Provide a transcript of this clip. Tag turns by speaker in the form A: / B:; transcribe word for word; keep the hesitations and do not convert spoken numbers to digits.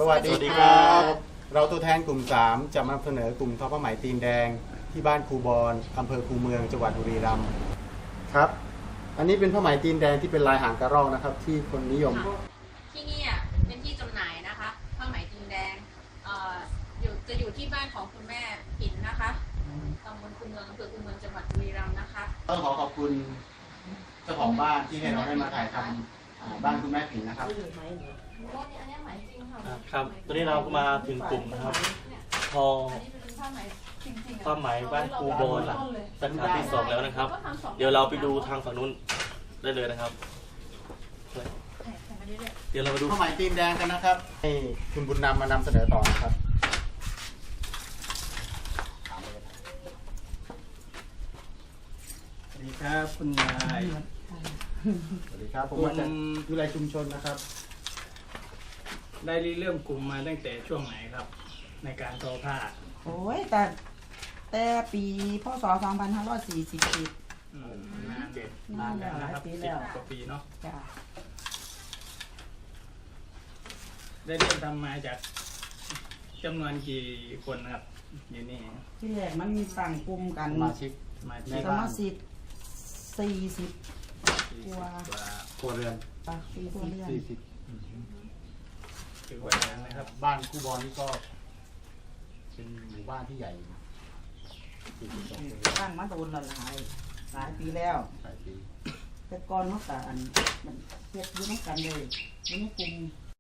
A: สวัสดีครับเราตัวแทนกลุ่มสามจะมาเสนอกลุ่มทอผ้าไหมตีนแดงที่บ้านครูบอนอำเภอคูเมืองจังหวัดบุรีรัมย์ครับอันนี้เป็นผ้าไหมตีนแดงที่เป็นลายหางกระรอกนะครับที่คนนิยม
B: ที่นี่เป็นที่จำหน่ายนะคะผ้าไหมตีนแดงอยู่จะอยู่ที่บ้านของคุณแม่ปิ่นนะคะตำบลคูเมืองอำเภอคูเมืองจังหวัดบุรีรัมย์นะคะ
A: ต้องขอขอบคุณเจ้าของบ้านที่ให้เราได้มาถ่ายทำบ้านคุณแม่ปิ่นนะครับ
C: ครับตอนนี้เราก็มาถึงกลุ่มนะครับทอผ้าไหมบ้านครูบอนสาขาที่สองแล้วนะครับเดี๋ยวเราไปดูทางฝั่งนู้นได้เลยนะครับเดี๋ยวเรามาดู
A: ผ้าไหมตีนแดงกันนะครับให้คุณบุญนำมานำเสนอต่อนะครับ
D: สวัสดีครับคุณยาย
A: สวัสดีครับผมมาจากวิไลชุมชนนะครับ
D: ได้เริ่มกลุ่มมาตั้งแต่ช่วงไหนครับในการทอผ้า
E: โอ้ยแต่แต่ปีพศสองพันห้าร้อยสี่สิบเอ็ด
D: นานเด็ดนานแล้วนะครับสิบกว่าปีเนาะได้เริ่มทำมาจากจำนวนกี่คนครับอยู่นี่
E: ที่แรกมันมีสั่งกลุ่มกัน
A: สมาชิก
E: สมาชิกสี่สิบกว่า
A: ครัวเรือน
E: ปากปีครัวเรือน
A: สี่สิบ
D: ถือว่าเยอะนะครับ
A: บ้านครูบอลนี่ก็เป็นหมู่บ้านที่ใหญ่
E: ตั้งมาโดนหลายหลายปีแล้ว
A: หลายปี
E: แต่ก่อนเมื่อก่อนมันเทียบยุ่งกันเลยยุ่งกลุ่ม